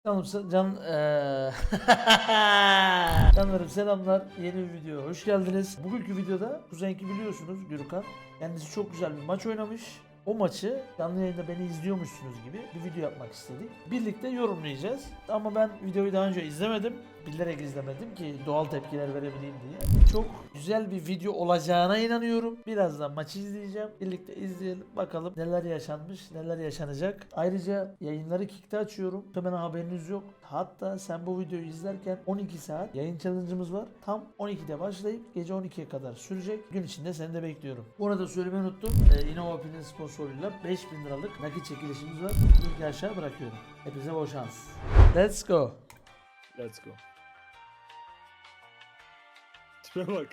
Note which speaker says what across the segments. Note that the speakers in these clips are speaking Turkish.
Speaker 1: Canlarım selamlar, yeni bir videoya hoş geldiniz. Bugünkü videoda Kuzenki biliyorsunuz, Gürkan kendisi çok güzel bir maç oynamış. O maçı canlı yayında beni izliyormuşsunuz gibi bir video yapmak istedik. Birlikte yorumlayacağız. Ama ben videoyu daha önce izlemedim. Bilerek izlemedim ki doğal tepkiler verebileyim diye. Çok güzel bir video olacağına inanıyorum. Birazdan maçı izleyeceğim. Birlikte izleyelim. Bakalım neler yaşanmış, neler yaşanacak. Ayrıca yayınları Kick'te açıyorum. Hemen haberiniz yok. Hatta sen bu videoyu izlerken 12 saat yayın challenge'ımız var. Tam 12'de başlayıp gece 12'ye kadar sürecek. Gün içinde seni de bekliyorum. Bu arada söylemeyi unuttum. InnovaPin'in sponsoruyla 5000 liralık nakit çekilişimiz var. Linki aşağı bırakıyorum. Hepinize bol şans. Let's go.
Speaker 2: Let's go. Tipe bak.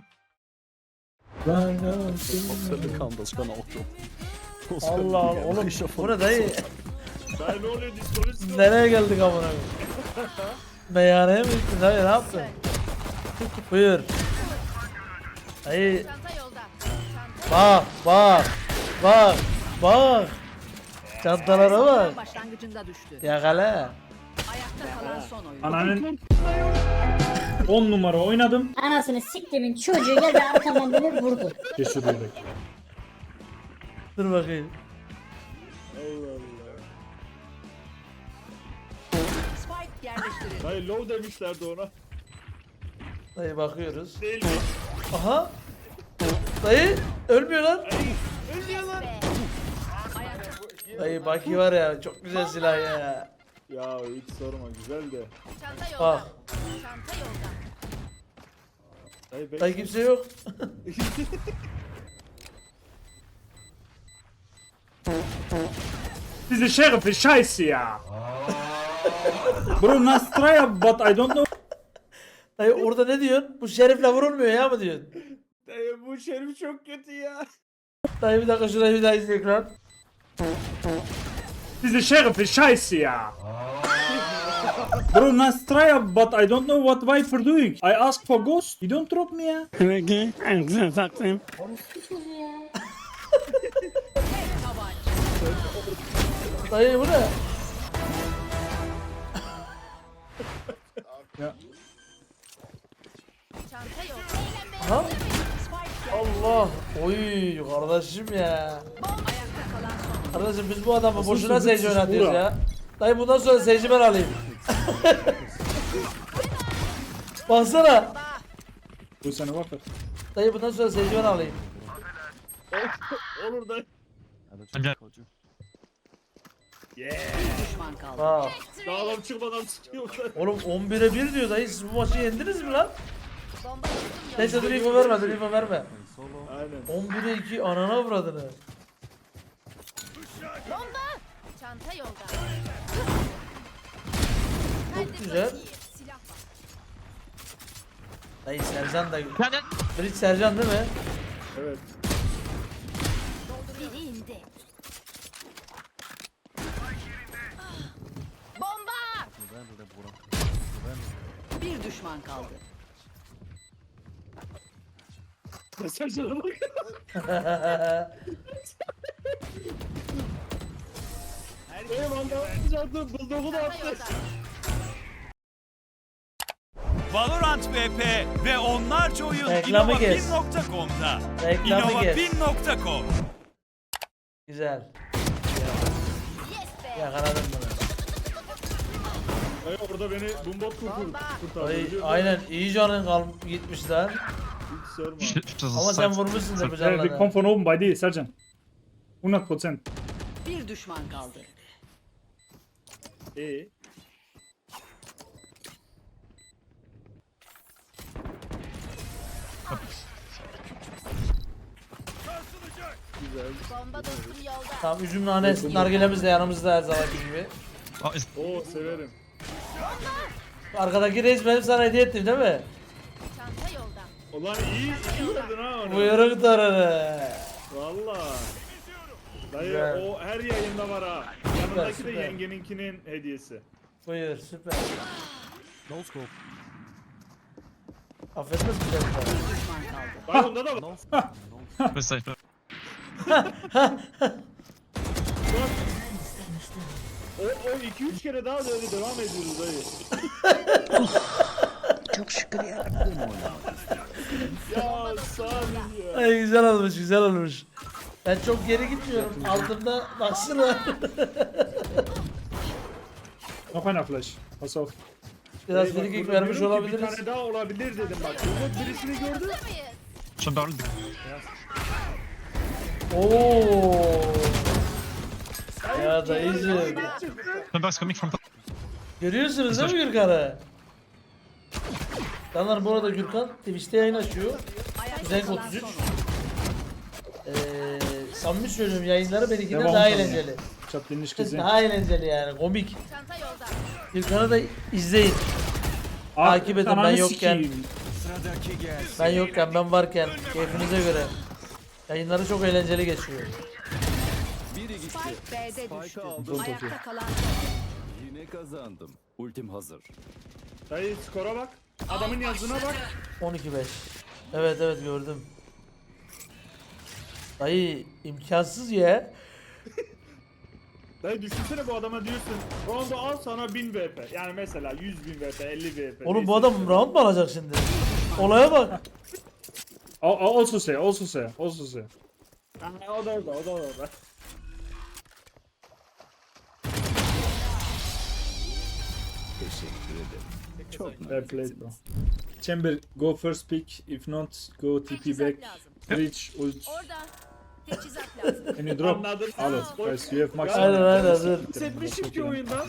Speaker 3: Völlig anders kan Auto.
Speaker 1: Allah Allah oğlum bu ne dayı?
Speaker 2: Ben ne oluyor diskolojisi?
Speaker 1: Nereye geldik amına koyayım? Meyhaneye mi gittin dayı, ne yaptın? Buyur. Dayı
Speaker 4: Çanta yolda.
Speaker 1: bak. Çantalara bak.
Speaker 4: Başlangıcında düştü.
Speaker 1: Yakala.
Speaker 4: Ayakta kalan son oyun.
Speaker 5: Ananın 10 numara oynadım.
Speaker 6: Anasını siktimin çocuğu geldi arkamdan beni vurdu.
Speaker 5: Cesur yürek.
Speaker 1: Dur bakayım.
Speaker 2: Allah Allah.
Speaker 4: Spike yerleştirildi.
Speaker 2: Hayır low demişlerdi ona.
Speaker 1: Dayı bakıyoruz.
Speaker 2: Değil mi?
Speaker 1: Aha. Dayı ölmüyor lan.
Speaker 4: Ayakta.
Speaker 1: Dayı Baki var ya, çok güzel silah ya.
Speaker 2: Ya hiç sorma güzel de.
Speaker 4: Çanta yolda.
Speaker 1: Bak.
Speaker 4: Çanta yolda.
Speaker 2: Dayı
Speaker 1: Dayı kimse yok.
Speaker 5: Diese Sheriff scheiße ya. Bro Nastraya but I don't know.
Speaker 1: Dayı orada ne diyorsun? Bu şerifle vurulmuyor ya mı diyorsun?
Speaker 2: Dayı bu şerif çok kötü ya.
Speaker 1: Dayı bir dakika şurayı bir daha izle ekran.
Speaker 5: Diese Sheriff scheiße ya. Bro Nastraya but I don't know what Viper doing. I asked for ghost. You don't drop me ya.
Speaker 1: Dayı bu ne?
Speaker 4: Çanta yolda.
Speaker 1: Aha.
Speaker 4: Spike
Speaker 1: Allah. Oy kardeşim ya.
Speaker 4: ayakta kalan son oyun.
Speaker 1: Kardeşim biz bu adamı boşuna
Speaker 5: sözü
Speaker 1: seyirci
Speaker 5: siz
Speaker 1: oynatıyoruz
Speaker 5: bura?
Speaker 1: ya. Dayı bundan sonra seyirci ben alayım. Baksana.
Speaker 5: Bu sana bak.
Speaker 1: Dayı bundan sonra seyirci ben alayım.
Speaker 2: Olur dayı. Yeah.
Speaker 4: Düşman kaldı.
Speaker 1: Bak.
Speaker 2: Dağlam çıkmadan sıkıyorlar.
Speaker 1: Oğlum 11'e 1 diyor dayı, siz bu maçı yendiniz mi lan?
Speaker 4: Bomba yolda.
Speaker 1: Neyse dur info verme, dur info verme.
Speaker 2: Aynen.
Speaker 1: 11'e 2 anana avradını.
Speaker 4: Bomba. Çanta yolda.
Speaker 1: Çok güzel.
Speaker 4: Silah var.
Speaker 1: Dayı Sercan da. Bridge Sercan değil mi?
Speaker 2: Evet.
Speaker 4: Biri indi. Bomba. Bir düşman kaldı.
Speaker 2: Mesajlara bak. Dayı vandal attı. Bulduğumu da
Speaker 4: Çanta
Speaker 2: attı.
Speaker 4: yolda.
Speaker 7: Valorant VP ve onlarca oyun
Speaker 1: Reklamı kes.
Speaker 7: innovapin.com'da.
Speaker 1: Reklamı kes.
Speaker 7: innovapin.com.
Speaker 1: Güzel.
Speaker 4: Yes be.
Speaker 1: Yakaladım bunu.
Speaker 2: Dayı orada beni bombot kurtardı.
Speaker 1: Dayı
Speaker 2: biliyor musun?
Speaker 1: aynen iyi canın gitmiş lan.
Speaker 2: Hiç sorma.
Speaker 1: Ama sen vurmuşsun da bu
Speaker 5: We come
Speaker 1: canlarına.
Speaker 5: from oben by thee, Sergeant. 100%.
Speaker 4: Bir düşman kaldı. Bomba dostum yolda.
Speaker 1: Tamam üzüm nane nargilemiz de yanımızda her zamanki gibi.
Speaker 2: Oo severim.
Speaker 1: Arkadaki reis benim sana hediye ettim değil mi?
Speaker 4: Çanta yolda.
Speaker 2: Ulan iyi verdin ha onu.
Speaker 1: Buyruk tararı.
Speaker 2: Valla. Dayı
Speaker 1: Güzel.
Speaker 2: o her yayında var ha. Yanındaki de
Speaker 1: süper.
Speaker 2: yengeninkinin hediyesi.
Speaker 1: Buyur süper.
Speaker 3: No scope.
Speaker 1: Affetmez mi seni?
Speaker 4: Bir düşman kaldı.
Speaker 2: Dayı onda da var. O 2-3 kere daha böyle devam ediyoruz dayı.
Speaker 8: Çok şükür ya.
Speaker 2: Ya sağ olun ya.
Speaker 1: Ay güzel olmuş güzel olmuş. Ben çok geri gitmiyorum. Altımda baksana.
Speaker 5: Noch einer Flash. Pass auf.
Speaker 1: Biraz
Speaker 2: Dayı bak,
Speaker 1: frikik
Speaker 2: burada
Speaker 1: vermiş
Speaker 2: diyorum ki
Speaker 1: olabiliriz.
Speaker 2: Bir tane daha olabilir dedim bak. Burada birisini gördüm.
Speaker 4: Hazır mıyız?
Speaker 3: Schon down.
Speaker 1: Oo. Ya dayıcım.
Speaker 3: Somebody's coming from top.
Speaker 1: Görüyorsunuz değil mi Gürkan'ı? Canlar bu arada Gürkan Twitch'te yayın açıyor. Zenk 33. Samimi söylüyorum yayınları benimkinden
Speaker 5: Devam
Speaker 1: daha
Speaker 5: tabii.
Speaker 1: eğlenceli.
Speaker 5: Ich hab den nicht gesehen.
Speaker 1: Daha eğlenceli yani komik.
Speaker 4: Çanta yolda.
Speaker 1: Gürkan'ı da izleyin. Takip edin, ben
Speaker 5: Ananı
Speaker 1: yokken.
Speaker 5: sikeyim.
Speaker 7: Sıradaki gelsin.
Speaker 1: Ben yokken ben varken keyfinize göre. Yayınları çok eğlenceli geçiyor.
Speaker 4: Spike B'de düştü.
Speaker 3: aldım.
Speaker 4: Ayakta kalan
Speaker 3: Yine kazandım. Ultim hazır.
Speaker 2: Dayı skora bak. Adamın yazdığına bak.
Speaker 1: 12-5. Evet evet gördüm. Dayı imkansız ya.
Speaker 2: Dayı düşünsene bu adama diyorsun. Rondo al sana 1000 VP. Yani mesela 100.000 VP, 50 VP.
Speaker 1: Oğlum bu
Speaker 2: neyse
Speaker 1: adam
Speaker 2: işte.
Speaker 1: round mu alacak şimdi? Olaya bak.
Speaker 5: Also say, also say, also say.
Speaker 2: Ha, o da orada, o da orada.
Speaker 3: Teşekkür ederim. Çok
Speaker 5: Fair play bro. Chamber, go first pick. If not, go TP back. Reach, ult.
Speaker 4: orada. Teçhizat lazım.
Speaker 5: Can you drop?
Speaker 2: Anladım.
Speaker 5: Al it. Guys, you have max.
Speaker 1: Aynen aynen dur.
Speaker 2: Hissetmişim ki oyundan.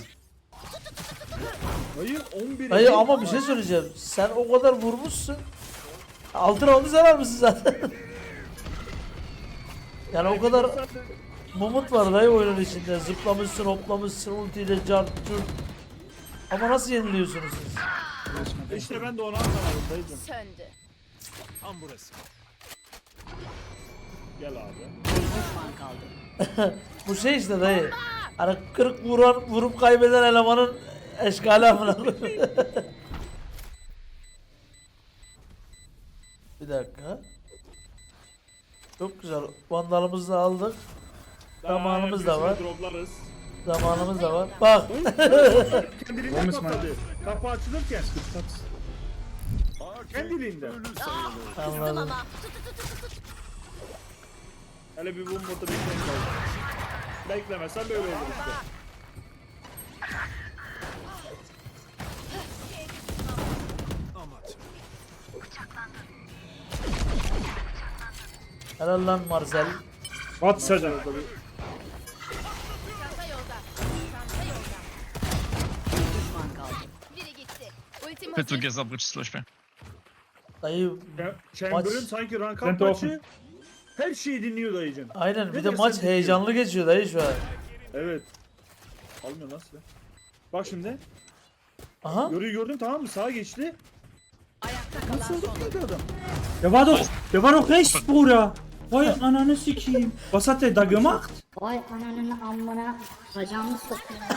Speaker 2: Dayı 11.
Speaker 1: Dayı ama bir şey söyleyeceğim. Sen o kadar vurmuşsun. Altın roundu sen almışsın zaten. Yani o kadar mumut var dayı oyunun içinde. Zıplamışsın, hoplamışsın, ultiyle cart curt. Ama nasıl yeniliyorsunuz siz?
Speaker 2: İşte ben de onu anlamadım dayıcım.
Speaker 4: Söndü.
Speaker 7: Tam burası.
Speaker 2: Gel abi.
Speaker 4: Düşman kaldı.
Speaker 1: Bu şey işte dayı. Hani 40 vurup kaybeden elemanın eşkali amına koyayım. Bir dakika. Çok güzel. Vandalımızı da aldık. Zamanımız da var.
Speaker 2: Droplarız.
Speaker 1: Zamanımız da var. Bak.
Speaker 2: Kendiliğinden
Speaker 5: Olmuş mu?
Speaker 2: kapadı. Kapı açılırken. Kendiliğinden.
Speaker 1: Anladım.
Speaker 4: Ama
Speaker 2: Hele bir bomba da bekleyin kaldı. Beklemesen böyle olur işte.
Speaker 7: Amat.
Speaker 1: Helal lan Marcel.
Speaker 5: What Sercan?
Speaker 4: çanta yolda. Çanta yolda. Düşman kaldı. Biri gitti. Ultim
Speaker 3: Put
Speaker 4: hazır.
Speaker 3: together bridge slash B.
Speaker 1: Dayı
Speaker 2: Chamber'ın
Speaker 1: Maç-
Speaker 2: sanki rank
Speaker 5: Sen
Speaker 2: up
Speaker 5: de
Speaker 2: maçı her şeyi dinliyor dayıcım.
Speaker 1: aynen bir
Speaker 2: Ne
Speaker 1: de
Speaker 2: dersen
Speaker 1: maç
Speaker 2: dinliyor.
Speaker 1: heyecanlı geçiyor dayı şu an.
Speaker 2: Evet. Almıyor nasıl? Bak şimdi.
Speaker 1: Aha.
Speaker 2: Yoruyu gördün tamam mı? Sağa geçti.
Speaker 4: Ayakta kalan
Speaker 2: Nasıl oldu
Speaker 4: son.
Speaker 2: ki adam?
Speaker 5: Der war doch rechts, Bruder. Vay ananı sikeyim. Was hat der da gemacht?
Speaker 6: Vay ananın amına bacağımı soktum ya.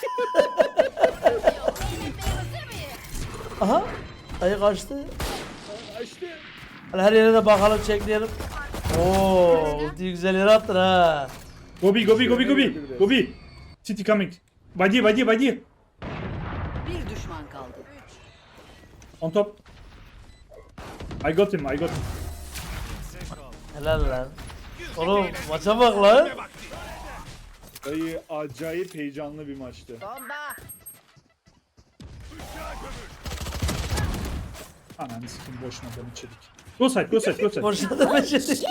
Speaker 4: Hazır mıyız?
Speaker 1: Aha. Dayı kaçtı.
Speaker 2: Aa, İşte.
Speaker 1: Hadi her yere de bakalım çekleyelim. Oo, ultiyi güzel yere attın ha.
Speaker 5: Gobi, Gobi, Gobi, Gobi. Gobi. City coming. By dir, by dir, by dir.
Speaker 4: Bir düşman kaldı.
Speaker 5: On top. I got him, I got him.
Speaker 1: Helal lan. Oğlum maça bak lan.
Speaker 2: Dayı acayip heyecanlı bir maçtı.
Speaker 4: Bomba.
Speaker 5: Ananı sikeyim boşuna ben içerik. Go side, go side, go side.
Speaker 1: Boşuna başladık.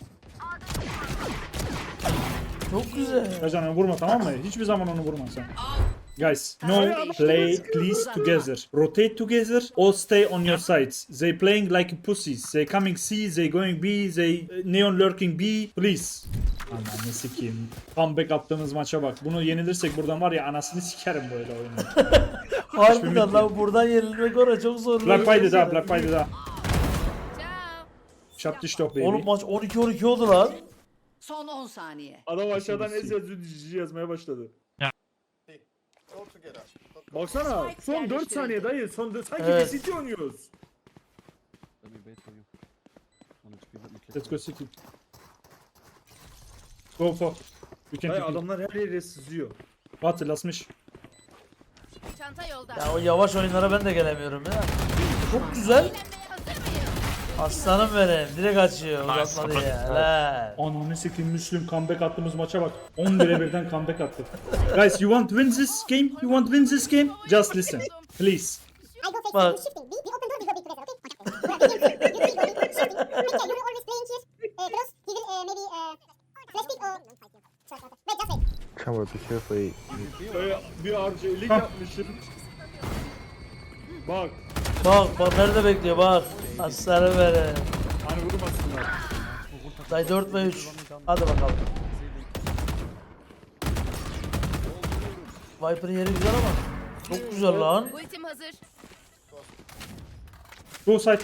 Speaker 1: Çok güzel.
Speaker 5: Sercan vurma tamam mı? Hiçbir zaman onu vurma sen. Guys, no play please together. Rotate together or stay on your sides. They playing like pussies. They coming C, they going B, they neon lurking B. Please. Ananı sikeyim. Comeback attığımız maça bak. Bunu yenilirsek buradan var ya anasını sikerim böyle oyunu.
Speaker 1: Harbiden lan buradan yenilmek oraya çok zor.
Speaker 5: Black Friday da, Black Friday da.
Speaker 4: Ciao.
Speaker 5: Shut the stop baby.
Speaker 1: Oğlum maç 12-12 oldu lan.
Speaker 4: Son 10 saniye.
Speaker 2: Adam aşağıdan ez yazmaya başladı. Baksana son 4 saniye dayı. Sanki
Speaker 1: Evet.
Speaker 2: bir City oynuyoruz.
Speaker 5: Let's go City. Go for. You can
Speaker 2: Dayı
Speaker 5: TP.
Speaker 2: adamlar her yere sızıyor.
Speaker 5: Hatırlasmış.
Speaker 4: Çanta yolda.
Speaker 1: Ya o yavaş oyunlara ben de gelemiyorum ya. Çok güzel.
Speaker 4: Eğlenmeye hazır mıyız?
Speaker 1: Aslanım benim. Direkt açıyor.
Speaker 3: Nice,
Speaker 1: Uzatmadı
Speaker 3: kapı.
Speaker 1: ya. Helal.
Speaker 5: Ananı sikeyim Müslüm comeback attığımız maça bak. 11'e birden comeback attı. Guys, you want to win this game? You want to win this game? Just listen. Please.
Speaker 6: I go first.
Speaker 1: Bak.
Speaker 6: You shifting. We open door, we go big together, okay? You will be shifting. Okay, you will always playing here. Close. He will maybe flash pick or... Wait, just wait.
Speaker 8: Camera, be careful.
Speaker 2: Böyle bir harcayılık
Speaker 5: Hah.
Speaker 2: yapmışım. Bak.
Speaker 1: Bak nerede bekliyor bak. Aslanım benim.
Speaker 2: Hani vurmasınlar.
Speaker 1: Day 4 ve 3. Hadi bakalım. Viper'ın yeri güzel ama. Çok güzel lan.
Speaker 4: Ultim hazır.
Speaker 5: Go side.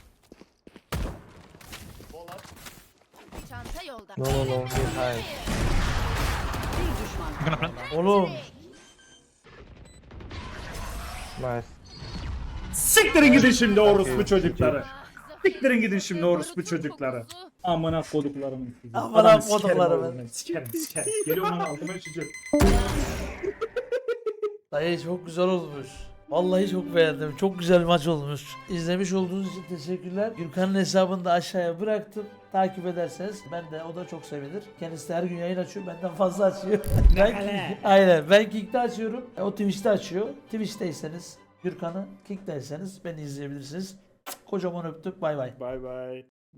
Speaker 4: Çanta yolda.
Speaker 8: No, no, no. He's high.
Speaker 4: Bir düşman
Speaker 3: I'm gonna plant.
Speaker 1: Oğlum.
Speaker 8: Nice.
Speaker 5: Siktirin gidin şimdi orospu çocukları. Siktirin gidin şimdi orospu çocukları. Amına koduklarımın sizi.
Speaker 1: Amına
Speaker 5: Adamı sikerim
Speaker 1: koduklarımın.
Speaker 5: oğlum ben. Sikerim. Geliyor lan altıma içeceğim.
Speaker 1: Dayı çok güzel olmuş. Vallahi çok beğendim. Çok güzel bir maç olmuş. İzlemiş olduğunuz için teşekkürler. Gürkan'ın hesabını da aşağıya bıraktım. Takip ederseniz ben de o da çok sevinir. Kendisi de her gün yayın açıyor. Benden fazla açıyor. Aynen. Ben Kick'te açıyorum. O Twitch'te açıyor. Twitch'teyseniz Gürkan'ı, Kick'teyseniz beni izleyebilirsiniz. Kocaman öptük. Bay bay.
Speaker 2: Bay bay.